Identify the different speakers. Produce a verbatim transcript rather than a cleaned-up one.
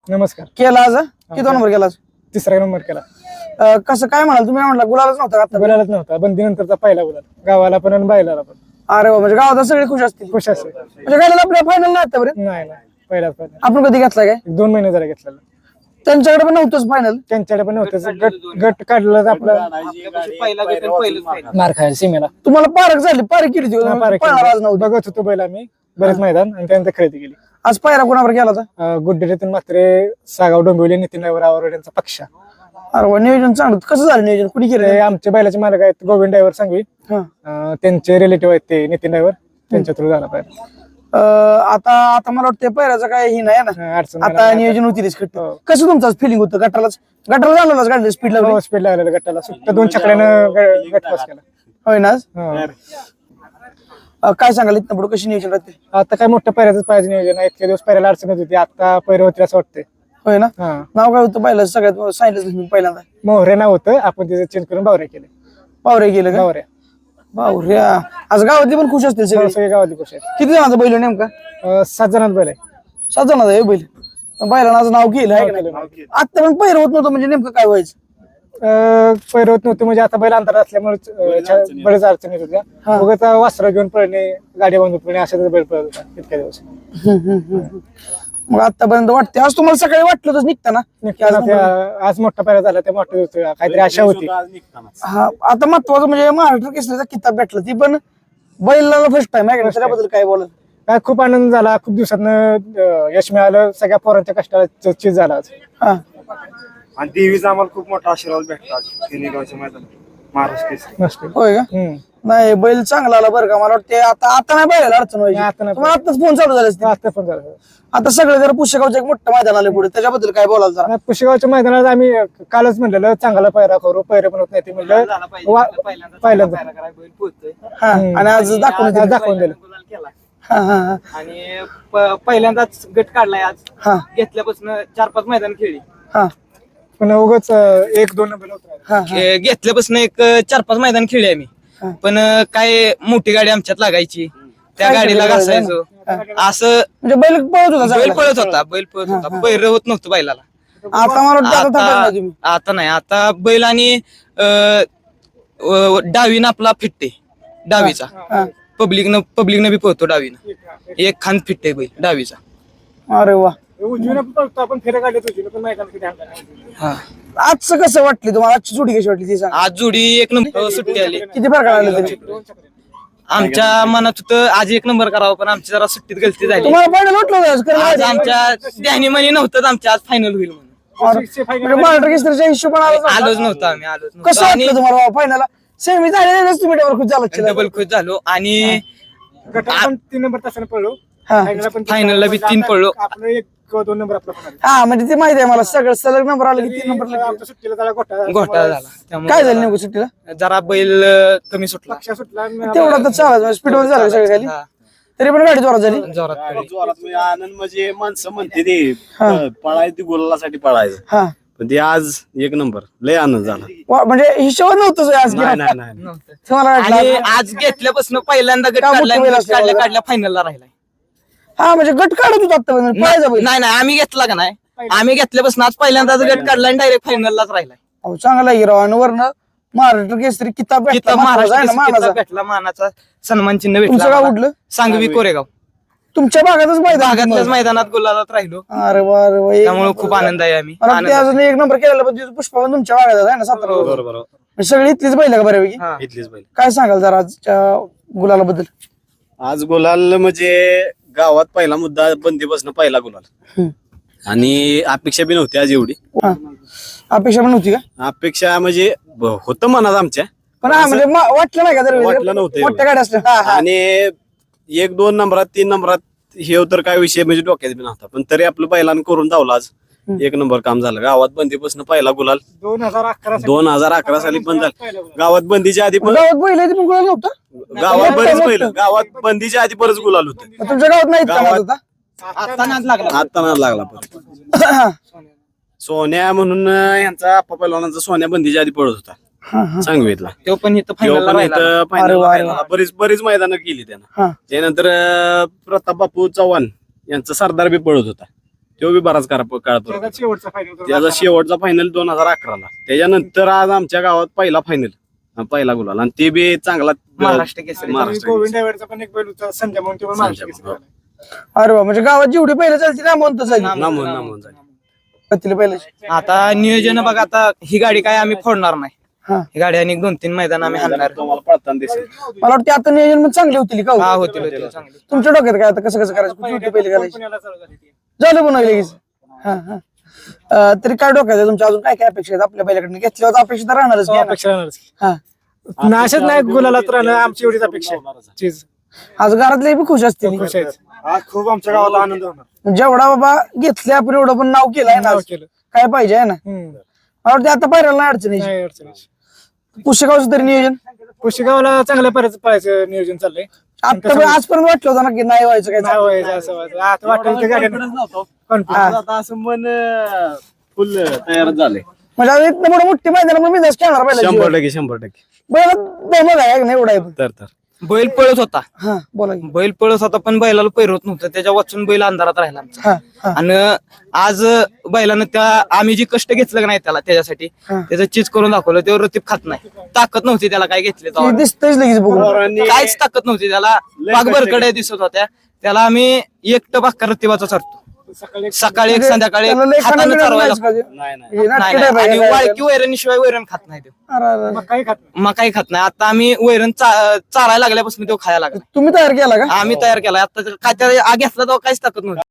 Speaker 1: नमस्कार.
Speaker 2: केला आज किती नंबर केला आज?
Speaker 1: तिसरा नंबर केला.
Speaker 2: अं, कसं काय म्हणाल तुम्ही? म्हणाला गुलालच नव्हता आता.
Speaker 1: गुलालच नव्हता, बंदी नंतरचा पहिला गुलाल गावाला पण आणि बायलाला पण.
Speaker 2: अरे वा, म्हणजे गावात सगळे खुश असतील.
Speaker 1: खुश असेल.
Speaker 2: म्हणजे गायला आपल्या फायनल नाही आतापर्यंत.
Speaker 1: नाही नाही पहिलाच पहिला.
Speaker 2: आपण कधी घेतला काय?
Speaker 1: एक दोन महिने जरा घेतलेला.
Speaker 2: त्यांच्याकडे पण नव्हतंच फायनल.
Speaker 1: त्यांच्याकडे पण नव्हतं. गट गट काढलं आपलं मार खायला सीमेला.
Speaker 2: तुम्हाला पारख झाली, पारख केली होती.
Speaker 1: हा, पारख
Speaker 2: पळणार आज नव्हती.
Speaker 1: बघत होतो बैल आम्ही बरेच मैदान आणि त्यानंतर खरेदी केली.
Speaker 2: आज पायरा कोणावर गेला होता?
Speaker 1: गुड्डेतीन मात्रे, सागाव डोंबिवली, नितीन ड्रायव्हर आवड यांचा पक्ष.
Speaker 2: अरे वा, नियोजन चांगलं. कसं झालं नियोजन? कुणी केलं?
Speaker 1: ते आमचे बैलाचे मालक आहेत गोविंद ड्रायव्हर सांगवी.
Speaker 2: हा.
Speaker 1: अं, त्यांचे रिलेटिव्ह आहेत ते नितीन ड्रायव्हर, त्यांच्या थ्रू झाला पाहिजे.
Speaker 2: अं, आता आता मला वाटतं पायऱ्याचं काय ही नाही ना.
Speaker 1: अडचण
Speaker 2: आता नियोजन होतीच खट्ट.
Speaker 1: हो.
Speaker 2: कसं तुमचं फिलिंग होतं? गटालाच गटाला झालं गाडी स्पीड लागली.
Speaker 1: स्पीड लागलेलं गटाला सुट्ट दोन छकड्यानं ग- गट पास केला.
Speaker 2: होय ना आज?
Speaker 1: हो.
Speaker 2: अं, काय सांगाल इथं पुढे कशी नियोजन राहते?
Speaker 1: आता काय मोठ्या पैऱ्याच पाहिजे नियोजन आहे. इतके दिवस पैऱ्याला अडचण होती, आता पैर होती असं वाटतंय.
Speaker 2: होय ना.
Speaker 1: हा.
Speaker 2: नाव काय होतं पहिलं? सगळ्यात सांगितलं तुम्ही पहिल्यांदा.
Speaker 1: मोहरे नाव होतं, आपण तिचं चेंज करून बावरे केले.
Speaker 2: पावरे गेलं का?
Speaker 1: बावऱ्या
Speaker 2: बावऱ्या. आज गावातली पण खुश असतील सगळे.
Speaker 1: सगळे गावातली खुश आहेत.
Speaker 2: किती जणांचा बैल आहे नेमका?
Speaker 1: अं, सात जणांत बैल आहे.
Speaker 2: सात जणांचा आहे बैल. बैलांना आज नाव केलं आहे का
Speaker 1: केलं,
Speaker 2: नाही? आता पण पहिरं होत नव्हतं, म्हणजे नेमकं काय व्हायचं?
Speaker 1: अं, पैर होत नव्हते म्हणजे आता बैल अंतर असल्यामुळे अं, बरेच अडचणी येत होत्या. उगाच वासरा घेऊन पळणे, गाडी बांधून पळणे अशाच बैल पळत होता इतक्या दिवस.
Speaker 2: मग आतापर्यंत वाटते. आज तुम्हाला सकाळी वाटलं होतं निघताना की आज
Speaker 1: निघताना त्या- आज मोठा पैरा झाला, त्या मोठ्या दिवशी काहीतरी आशा होती.
Speaker 2: हा. आता महत्वाचं म्हणजे महाराष्ट्र केसरीचा किताब भेटला, ती पण बैलाला फर्स्ट टाइम आहे का? त्याच्याबद्दल काय बोलत?
Speaker 1: काय खूप आनंद झाला. खूप दिवसातनं यश मिळालं. सगळ्या पोरांच्या कष्टाला चीज झाला आज.
Speaker 2: हा.
Speaker 3: आणि देवीचा आम्हाला खूप मोठा आशीर्वाद भेटला खेळगावच्या मैदानात महाराष्ट्र केसरी.
Speaker 1: मस्त.
Speaker 2: होय का?
Speaker 1: हम्म.
Speaker 2: नाही, बैल चांगला आला बरं का. मला वाटते आता आता नाही बैलाला अडचण व्हायची.
Speaker 1: नाही, आता नाही.
Speaker 2: तुम्हाला आताच फोन चालू झाले असते.
Speaker 1: आता पण झालं.
Speaker 2: आता सगळं जर पुष्यगावचं एक मोठं मैदान आलं पुढे, त्याच्याबद्दल काय बोलाल जरा?
Speaker 1: नाही, पुशेगावच्या मैदानात आम्ही कालच म्हणलेलं चांगला पैरा करू, पैरे पण होत नाही ते म्हणलं वा- पहिल्यांदा
Speaker 2: हा. आणि आज दाखवून दिलं.
Speaker 1: आज दाखवून दिलं.
Speaker 2: हा हा हा.
Speaker 4: आणि प- पहिल्यांदाच गट काढलाय आज.
Speaker 2: हा
Speaker 4: घेतल्यापासून चार पाच मैदान खेळली.
Speaker 2: हा
Speaker 1: पण उगाच एक दोन नंबर होत राहिले.
Speaker 2: हा हा.
Speaker 4: ए, घेतल्यापासून एक अ, चार पाच मैदान खेळली आम्ही.
Speaker 2: हा.
Speaker 4: पण अ, काय मोठी गाडी आमच्यात लागायची, त्या
Speaker 2: काय
Speaker 4: गाडीला
Speaker 2: सगळं
Speaker 4: घासायचो. असं
Speaker 2: म्हणजे बैल पळत होता
Speaker 4: बैल
Speaker 2: चांगला.
Speaker 4: पळत होता, बैल पळत होता, पैर होत नव्हतं बैलाला.
Speaker 2: आता मला वाटतं आता थांबत
Speaker 4: आता
Speaker 2: नाही तुम्ही.
Speaker 4: आता नाही, आता बैल आणि अ, अ, डावीनं आपला फिटते, डावीचा
Speaker 2: हा.
Speaker 4: पब्लिकनं पब्लिकनं बी पळतो डावीनं. एक खांद फिटते बैल डावीचा.
Speaker 2: अरे वा.
Speaker 1: उजवीनं पण पळतो आपण, फेऱ्या काढले उजवीनं पण मैदान किती हाणलं नाही.
Speaker 4: हा.
Speaker 2: आजचं कसं वाटली तुम्हाला? आजची जोडी कशी वाटली ती सांग.
Speaker 4: आज जोडी एक नंबर सुट्टी आली.
Speaker 2: किती फरक आला तरी?
Speaker 4: आमच्या मनात होतं आज एक नंबर करावं, पण आमची जरा सुट्टीत गलती झाली.
Speaker 2: तुम्हाला फायनल वाटलं होतं आज? कारण
Speaker 4: आज
Speaker 2: आज-
Speaker 4: आमच्या ध्यानी मनी नव्हतं आमच्या आज फायनल होईल म्हणून.
Speaker 2: और- म्हणजे महाराष्ट्र केसरीच्या हिशोबाने आलाच नव्हता.
Speaker 4: आलोच नव्हतं आम्ही, आलोच
Speaker 2: कसं
Speaker 4: नव्हतं. आणि
Speaker 2: वाटलं तुम्हाला फायनल? सेमी झालेलं तुम्ही डबल खुश झाला
Speaker 4: डबल खुश झालो आणि
Speaker 1: गटाला पण तीन नंबर तासाने पळलो.
Speaker 2: हा.
Speaker 1: फायनलला पण
Speaker 4: फायनलला बी तीन पळलो.
Speaker 1: आपलं एक किंवा दोन नंबर आपला पण आले.
Speaker 2: हा, म्हणजे ते माहिती आहे मला. सगळं सलग नंबर आला की तीन नंबर
Speaker 1: तरी आमच्या सुट्टीला जरा घोटाळा
Speaker 4: घोटाळा झाला.
Speaker 2: काय
Speaker 4: त्यामुळे
Speaker 2: झालं नेमकं सुट्टीला?
Speaker 4: जरा बैल अं, कमी सुटला.
Speaker 1: पक्षा सुटला आणि
Speaker 2: तेवढा तर चालत स्पीड वर झालं सगळं खाली.
Speaker 4: हा,
Speaker 2: तरी पण गाडी जोरात झाली.
Speaker 4: जोरात पडली.
Speaker 3: जोरात म्हणजे आनंद म्हणजे माणसं म्हणते ते
Speaker 2: हा.
Speaker 3: पळायची गुलालासाठी पळायचं,
Speaker 2: हा.
Speaker 3: पण ते आज एक नंबर लय आनंद झाला.
Speaker 2: वा, म्हणजे हिशोब नव्हतं आज
Speaker 3: नाही नाही नाही
Speaker 4: नव्हतं.
Speaker 2: तुम्हाला
Speaker 4: आणि
Speaker 2: वाटलं?
Speaker 4: आज घेतल्यापासून पहिल्यांदा गट
Speaker 2: का मोठी
Speaker 4: काढला,
Speaker 2: बैल
Speaker 4: गट
Speaker 2: असल्यामुळे?
Speaker 4: काढल्या काढल्या फायनलला राहिलाय.
Speaker 2: हा, म्हणजे गट काढत होता आतापर्यंत. पाहायचा बैल.
Speaker 4: नाही नाही, आम्ही घेतला का नाही, आम्ही घेतल्यापासून आज पहिल्यांदाच गट काढला आणि डायरेक्ट फायनललाच राहिलाय.
Speaker 2: अहो, चांगला हिरो. आणि वरनं महाराष्ट्र केसरी किताब भेटला.
Speaker 4: किताब
Speaker 2: महत्वाचा आहे
Speaker 4: महाराष्ट्र
Speaker 2: ना,
Speaker 4: केसरी
Speaker 2: मानाचा.
Speaker 4: किताब भेटला, मानाचा सन्मान चिन्ह
Speaker 2: तुमचं
Speaker 4: भेटला
Speaker 2: गाव
Speaker 4: आम्हाला.
Speaker 2: कुठलं?
Speaker 4: सांगवी कोरेगाव.
Speaker 2: तुमच्या भागातच माहिती
Speaker 4: भागातल्याच मैदानात गुलालात राहिलो,
Speaker 2: अरे वा, अरे वा. एक-
Speaker 4: त्यामुळे खूप आनंद आहे. आम्ही
Speaker 2: मला वाटतं ते
Speaker 4: आनंद.
Speaker 2: अजून एक नंबर केलेला पण तिथं पुष्पा पण तुमच्या भागात आहे ना, सातारा.
Speaker 3: बरोबर बरोबर.
Speaker 2: म्हणजे सगळी इथलीच बैल का बऱ्यापैकी?
Speaker 4: हा.
Speaker 3: इथलीच बैल.
Speaker 2: काय सांगाल जरा आजच्या गुलाला बद्दल?
Speaker 3: आज गुलाल म्हणजे गावात पहिला मुद्दा बंदीपासून पहिला गुलाल,
Speaker 2: हम्म.
Speaker 3: आणि अपेक्षा बी नव्हती आज एवढी.
Speaker 2: हा. अपेक्षा पण नव्हती का?
Speaker 3: अपेक्षा म्हणजे ब- होतं मनात आमच्या,
Speaker 2: पण हा, म्हणजे मा- वाटलं नाही का जर
Speaker 3: वाटलं नव्हतं
Speaker 2: मोठ्या गाड्या असल्या? हा, हा.
Speaker 3: आणि एक दोन नंबरात तीन नंबरात हे तर काय विषय म्हणजे डोक्यात बी नव्हता, पण तरी आपलं बैलानं करून धावला आज. एक नंबर काम झालं. गावात बंदीपासून पहिला गुलाल
Speaker 1: दोन हजार अकरा
Speaker 3: दोन हजार अकरा साली पण झालं. गावात बंदीच्या आधी पण
Speaker 2: गावात बैल आहे ते पण गुलाल नव्हतं?
Speaker 3: गावात बरेच पहिलं गावात बंदीच्या आधी बरंच गुलाल होतं.
Speaker 2: मग तुमच्या गावात नाही
Speaker 3: गावात-
Speaker 2: होता?
Speaker 4: आता नाद लागला.
Speaker 3: आता नाद लागला परत. सोन्या म्हणून यांचा आप्पा पैलवानांचा सोन्या बंदीच्या आधी पळत होता. सांगवीतला.
Speaker 4: तो पण इथं
Speaker 3: तो
Speaker 4: फायनलला
Speaker 3: पण
Speaker 4: राहिला.
Speaker 3: इथं final
Speaker 2: अरे वा,
Speaker 3: ला
Speaker 2: अरे
Speaker 3: राहिला. बरीच बरीच मैदानं केली त्यानं.
Speaker 2: हा.
Speaker 3: त्यानंतर अं, प्रताप बापू चव्हाण यांचा सरदार बी पळत होता. तो बी बराच काळ काळ
Speaker 1: त्याचा
Speaker 3: पळतो.
Speaker 1: शेवटचा फायनल
Speaker 3: त्याचा शेवटचा फायनल दोन हजार अकराला. त्याच्यानंतर आज आमच्या गावात पहिला फायनल पहिला गुलाल आणि ते बी चांगला
Speaker 4: महाराष्ट्र केसरी.
Speaker 3: महाराष्ट्र
Speaker 1: गोविंद
Speaker 3: केसरी.
Speaker 1: ड्रायव्हरचा पण एक बैल होता संजय म्हणून, तो पण महाराष्ट्र
Speaker 3: संजय
Speaker 1: केसरी
Speaker 3: म्हणून.
Speaker 1: झाला.
Speaker 2: अरे वा, म्हणजे गावात जेवढी पहिलं चालते ना म्हणतो झाली
Speaker 3: नामवंत नामवंत झाले.
Speaker 2: कतीला पहिलं
Speaker 4: आता नियोजन बघा, आता ही गाडी काय आम्ही फोडणार नाही.
Speaker 2: हा
Speaker 4: ही गाडी आणि दोन तीन मैदान आम्ही हाणणार.
Speaker 3: तुम्हाला पळताना दिसेल.
Speaker 2: मला वाटतं आता नियोजन पण चांगली होतील का हो?
Speaker 4: हा होतील होतील चांगली.
Speaker 2: तुमच्या डोक्यात काय आता कसं कसं करायचं कुठली कुठली पहिली घालायची
Speaker 1: पुण्याला चालू झाली ती.
Speaker 2: झालं पण लगेच हा हा अं, तरी काय डोक्यात आहे तुमच्या अजून काय काय अपेक्षा आहेत आपल्या पहिल्याकडे घेतल्यावर अपेक्षा तर राहणारच की, है ना?
Speaker 1: अपेक्षा राहणारच.
Speaker 2: हा
Speaker 1: नाशच नाही गुलाला तर राहणं आमची एवढीच अपेक्षा आहे. चीज
Speaker 2: आज घरातले बी खुश असतील
Speaker 1: खुश आहेत.
Speaker 5: आज खूप आमच्या गावाला आनंद होणार.
Speaker 2: जेवढा बाबा घेतले आपण एवढं पण नाव केलंय ना
Speaker 1: नाव
Speaker 2: आज.
Speaker 1: केलं.
Speaker 2: काय पाहिजे आहे ना
Speaker 1: हम्म.
Speaker 2: मला वाटतं आता पायऱ्याला नाही अडचण यायची.
Speaker 1: नाही अडचण.
Speaker 2: पुस्तकावरचं तरी नियोजन
Speaker 1: पुशेगावला चांगल्या पर्यंत पळायचं नियोजन चाललंय.
Speaker 2: आता पण आजपर्यंत वाटलं होतं ना की नाही व्हायचं काय
Speaker 1: नाही व्हायचं असं व्हायचं. आता वाटलं की गाडी
Speaker 3: आज आता असं मन फुल तयार झाले.
Speaker 2: म्हणजे आज इथनं पुढे मोठी मैदान मी जास्त खेळणार
Speaker 3: शंभर
Speaker 2: पाहिजे
Speaker 3: टक्के शंभर टक्के
Speaker 2: बैल दमक आहे नाही एवढा आहे पण.
Speaker 3: तर तर
Speaker 4: बैल पळत होता,
Speaker 2: हा बोला की.
Speaker 4: बैल पळत होता पण बैलाला पैरवत नव्हतं. त्याच्या वाचून बैल अंधारात राहिला आमचा.
Speaker 2: हा हा
Speaker 4: आणि आज बैलानं त्या आम्ही जे कष्ट घेतलं का नाही त्याला त्याच्यासाठी
Speaker 2: हा.
Speaker 4: त्याचं चीज करून दाखवलं. तेव्हा रतीब खात नाही. ताकद नव्हती त्याला काय घेतले
Speaker 2: ती दिसतंच लगेच बघून
Speaker 3: पोरांनी
Speaker 4: काहीच ताकद नव्हती त्याला. बाग बरकड्या दिसत होत्या. त्याला आम्ही एकटं बाक्का रतीबाचा चरतो.
Speaker 1: सकाळी
Speaker 4: सकाळी एक संध्याकाळी
Speaker 2: त्याला लय
Speaker 4: हातानं
Speaker 2: खाण्यापिण्याचं
Speaker 4: चारवायला
Speaker 2: नाहीच का ते?
Speaker 3: नाही नाही
Speaker 2: हे नाटकं
Speaker 4: नाही,
Speaker 2: आहे
Speaker 4: नाही.
Speaker 2: बाई,
Speaker 4: आणि
Speaker 2: काय-
Speaker 4: वाळकी वैरणीशिवाय वैरण खात नाही तो.
Speaker 2: अरे, अरे, अरे.
Speaker 1: मग काही खात नाही.
Speaker 4: मग काही खात नाही. आता आम्ही वैरण चा- चारायला लागल्यापासून तो खायला लागला.
Speaker 2: तुम्ही तयार केला का
Speaker 4: आम्ही तयार केला. आता काय त्या घेतला तेव्हा काहीच ताकद नव्हती.